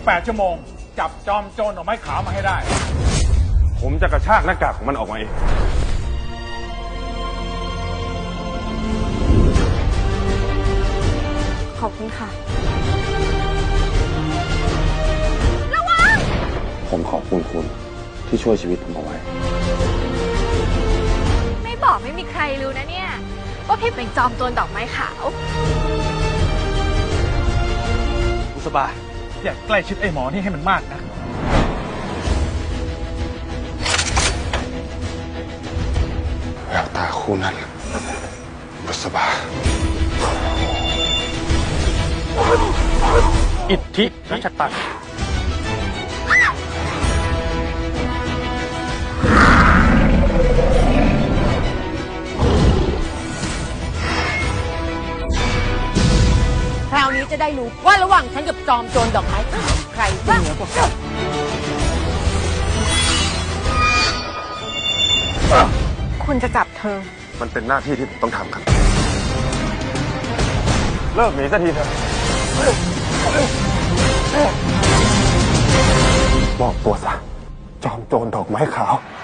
48 ชั่วโมงจับจอมโจรดอกไม้ขาวมาให้ได้ผมจะกระชากหน้ากากของมันออกมาเองขอบคุณค่ะระวังผมขอบคุณคุณที่ช่วยชีวิตผมเอาไว้ไม่บอกไม่มีใครรู้นะเนี่ยว่าพี่เป็นจอมโจรดอกไม้ขาวบุษบาอย่าใกล้ชิดไอ้หมอนี่ให้มันมากนะแววตาคู่นั้นบุษบาอิทธิรัชตันคราวนี้จะได้รู้ว่าระหว่างฉันกับจอมโจรดอกไม้ขาวใครจะเหนือกว่ากันคุณจะจับเธอมันเป็นหน้าที่ที่ผมต้องทำครับเลิกหนีสักทีเถอะมอบตัวซะจอมโจรดอกไม้ขาว